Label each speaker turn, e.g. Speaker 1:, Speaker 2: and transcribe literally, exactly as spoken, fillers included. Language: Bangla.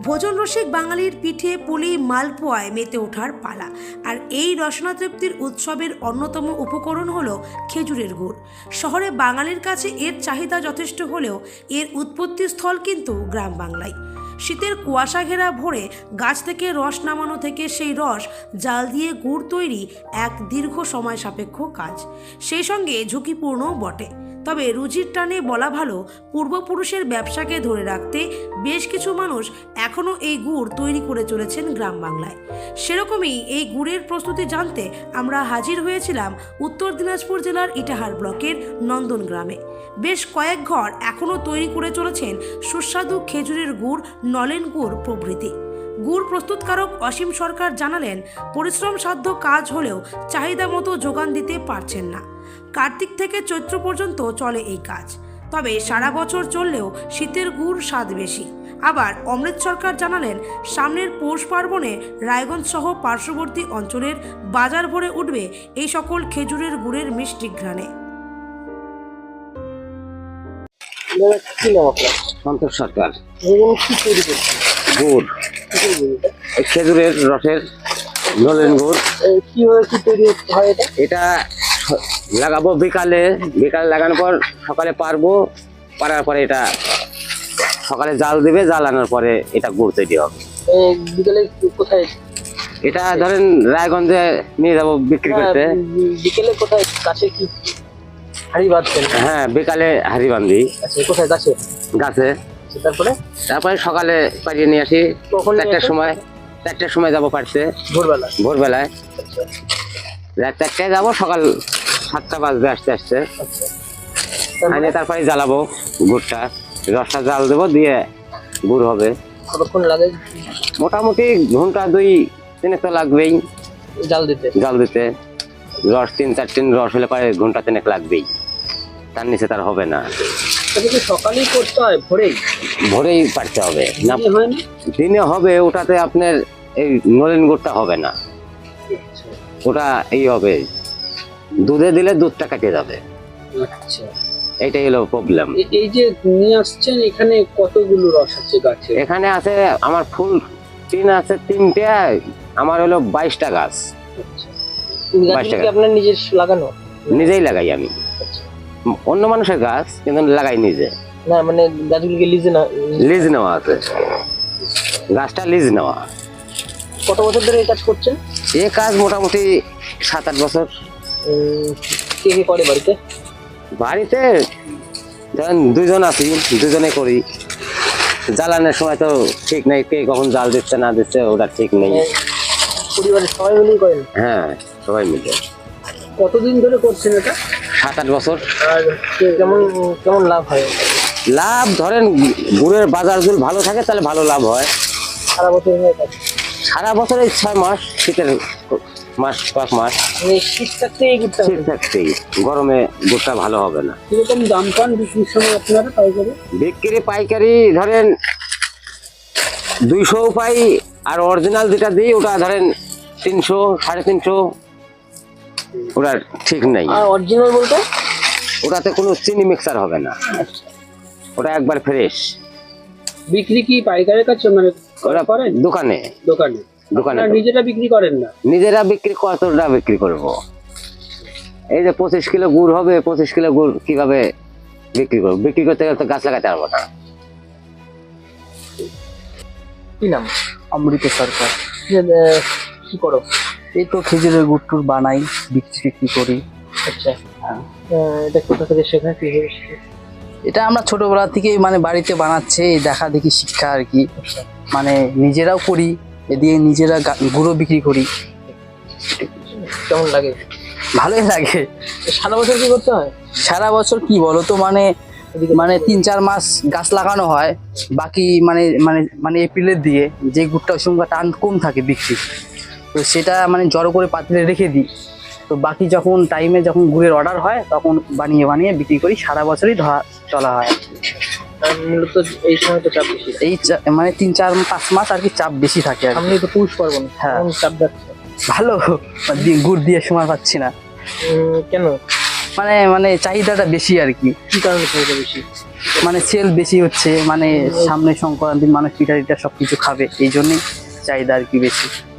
Speaker 1: ভোজন রসিক বাঙালির পিঠে পুলি মালপোয়ায় মেতে ওঠার পালা। আর এই রসনা তৃপ্তির উৎসবের অন্যতম উপকরণ হলো খেজুরের গুড়। শহরে বাঙালির কাছে এর চাহিদা যথেষ্ট হলেও এর উৎপত্তি স্থল কিন্তু গ্রাম বাংলায়। শীতের কুয়াশা ঘেরা ভোরে গাছ থেকে রস নামানো থেকে সেই রস জাল দিয়ে গুড় তৈরি এক দীর্ঘ সময় সাপেক্ষ কাজ, সেই সঙ্গে ঝুঁকিপূর্ণও বটে। তবে রুচির টানে বলা ভালো, পূর্বপুরুষের ব্যবসাকে ধরে রাখতে বেশ কিছু মানুষ এখনও এই গুড় তৈরি করে চলেছেন গ্রাম বাংলায়। সেরকমই এই গুড়ের প্রস্তুতি জানতে আমরা হাজির হয়েছিলাম উত্তর দিনাজপুর জেলার ইটাহার ব্লকের নন্দন গ্রামে। বেশ কয়েক ঘর এখনও তৈরি করে চলেছেন সুস্বাদু খেজুরের গুড়, নলেন গুড় প্রভৃতি। গুড় প্রস্তুতকারক অসীম সরকার জানালেন, পরিশ্রম সাধ্য কাজ হলেও চাহিদা মতো যোগান দিতে পারছেন না। কার্তিক থেকে চৈত্র পর্যন্ত চলে এই কাজ, তবে সারা বছর চললেও শীতের গুড় স্বাদ বেশি। আবার অমৃত সরকার জানালেন, সামনের পৌষ পার্বণে রায়গঞ্জ সহ পার্শ্ববর্তী অঞ্চলের বাজার ভরে উঠবে এই সকল খেজুরের গুড়ের মিষ্টি ঘ্রাণে।
Speaker 2: সন্তোষ সরকার গুড়, খেজুরের রসের নলেন গুড়।
Speaker 3: কিভাবে কি তৈরি হয় এটা?
Speaker 2: এটা লাগাবো বিকালে, বিকালে লাগানোর পর সকালে পারবো, পারার পরে এটা সকালে জাল দিবে, জাল আনার পরে এটা গুড় তৈরি হবে।
Speaker 3: বিকালে কোথায়?
Speaker 2: এটা ধরেন রায়গঞ্জে নিয়ে যাবো বিক্রি করতে।
Speaker 3: বিকেলে কোথায়? কাছে কি হাড়ি বাঁধছেন?
Speaker 2: হ্যাঁ, বিকালে হাড়ি বান্ধি।
Speaker 3: আচ্ছা, কোথায়? গাছে গাছে
Speaker 2: তারপরে তারপরে সকালে পাঠিয়ে নিয়ে আসি। চারটার সময় চারটার সময় যাবো পারছে,
Speaker 3: ভোরবেলা
Speaker 2: ভোরবেলায় রাত চারটায় যাবো, সকাল সাতটা বাজবে আসতে আসতে। আনিয়ে তারপরে জ্বালাবো গুড়টা, রসটা জাল দেবো, দিয়ে গুড় হবে।
Speaker 3: কতক্ষণ লাগে?
Speaker 2: মোটামুটি ঘন্টা দুই তিনে তো লাগবেই
Speaker 3: জাল দিতে।
Speaker 2: জাল দিতে রস তিন চার তিন রস হলে পরে ঘন্টা তিনেক লাগবেই, তার নিচে তার হবে না।
Speaker 3: সকালেই করতে হয়? ভোরেই
Speaker 2: ভোরেই পারতে হবে না,
Speaker 3: হয় না
Speaker 2: দিনে হবে। ওটাতে আপনার এই নলেন গুড়টা হবে না, ওটা এই হবে দুধে দিলে দুধটা কেটে যাবে।
Speaker 3: আচ্ছা,
Speaker 2: এইটাই হলো প্রবলেম।
Speaker 3: এই যে নিয়ে আসছেন, এখানে কতগুলো রস আছে গাছে?
Speaker 2: এখানে আছে আমার ফুল তিন আছে, তিনটে আমার হলো বাইশটা গাছ।
Speaker 3: গাছগুলো কি আপনার নিজের লাগানো?
Speaker 2: নিজেই লাগাই আমি, অন্য মানুষের গাছ কিন্তু লাগাই নিজে।
Speaker 3: না মানে গাছগুলোকে লিজে না?
Speaker 2: লিজ নেওয়া আছে, গাছটা লিজ নেওয়া।
Speaker 3: কত বছর ধরে এই কাজ করছেন?
Speaker 2: এই কাজ মোটামুটি সাত আট বছর।
Speaker 3: কে কে করে বাড়িতে?
Speaker 2: বাড়িতে ধরেন দুইজন আছি, দুজনে করি। জ্বালানোর সময় তো ঠিক নেই, কে কখন জাল দিচ্ছে না দিচ্ছে ওটা ঠিক নেই।
Speaker 3: পরিবারের সবাই মিলেই করেন?
Speaker 2: হ্যাঁ, সবাই মিলে।
Speaker 3: কতদিন ধরে করছেন এটা?
Speaker 2: সাত আট বছর।
Speaker 3: আর কেমন কেমন লাভ হয়?
Speaker 2: লাভ ধরেন গুড়ের বাজার যদি ভালো থাকে তাহলে ভালো লাভ হয়।
Speaker 3: সারা বছর হয়?
Speaker 2: সারা বছর এই ছয় মাস, শীতের মাস কয়েক মাস।
Speaker 3: শীত থাকতেই এই গুড়টা?
Speaker 2: শীত থাকতেই, গরমে গুড়টা ভালো হবে না।
Speaker 3: কিরকম দাম পান বিক্রির সময় আপনারা পাইকারি?
Speaker 2: বিক্রি পাইকারি ধরেন দুইশো পাই, আর অরিজিনাল যেটা দিই ওটা ধরেন তিনশো সাড়ে তিনশো, ওটা ঠিক নেই।
Speaker 3: আর অরিজিনাল বলতে?
Speaker 2: ওটাতে কোনো চিনি মিক্সার হবে না, ওটা একবার ফ্রেশ।
Speaker 3: বিক্রি কি পাইকারের কাছে মানে করেন?
Speaker 2: দোকানে
Speaker 3: দোকানে দোকানে নিজেরা বিক্রি করেন না?
Speaker 2: নিজেরা বিক্রি কতটা বিক্রি করব? এই যে পঁচিশ কিলো গুড় হবে, পঁচিশ কিলো গুড় কিভাবে বিক্রি করবো? বিক্রি করতে গেলে তো গাছ লাগাতে পারবো না।
Speaker 3: কি নাম? অমৃত সরকার। কি করো?
Speaker 4: এই তো খেজুরের গুড় টুর বানাই, বিক্রি টিক্রি করি।
Speaker 3: আচ্ছা, এটা কোথা থেকে শেখা? কি
Speaker 4: এটা আমরা ছোটবেলা থেকে মানে বাড়িতে বানাচ্ছে, দেখা দেখি শিক্ষা আর কি। মানে নিজেরাও করি, এদিকে নিজেরা গুঁড়ো বিক্রি করি।
Speaker 3: কেমন লাগে?
Speaker 4: ভালোই লাগে।
Speaker 3: সারা বছর কি করতে হয়?
Speaker 4: সারা বছর কি বলতো, মানে মানে তিন চার মাস গাছ লাগানো হয়, বাকি মানে মানে মানে এপ্রিলের দিয়ে যে গুড়টা ওই সময় টান কম থাকে বিক্রি, তো সেটা মানে জড়ো করে পাত্রে রেখে দিই। তো বাকি যখন টাইমে যখন গুড়ের অর্ডার হয় তখন বানিয়ে বানিয়ে বিক্রি করি। সারা বছরই ধরা চলা হয়।
Speaker 3: মূলত এই সময় তো চাপ বেশি,
Speaker 4: এই মানে তিন চার পাঁচ মাস আর কি চাপ বেশি থাকে।
Speaker 3: সামনে তো পৌষ পার্বণ,
Speaker 4: হ্যাঁ
Speaker 3: চাপ যাচ্ছে।
Speaker 4: ভালো, গুড় দিয়ে সময় পাচ্ছি না।
Speaker 3: কেন?
Speaker 4: মানে মানে চাহিদাটা বেশি আর কি।
Speaker 3: কি কারণে চাহিদা বেশি?
Speaker 4: মানে সেল বেশি হচ্ছে, মানে সামনে সংক্রান্তি মানুষ পিঠা টিঠা সবকিছু খাবে, এই জন্যই চাহিদা আর কি বেশি।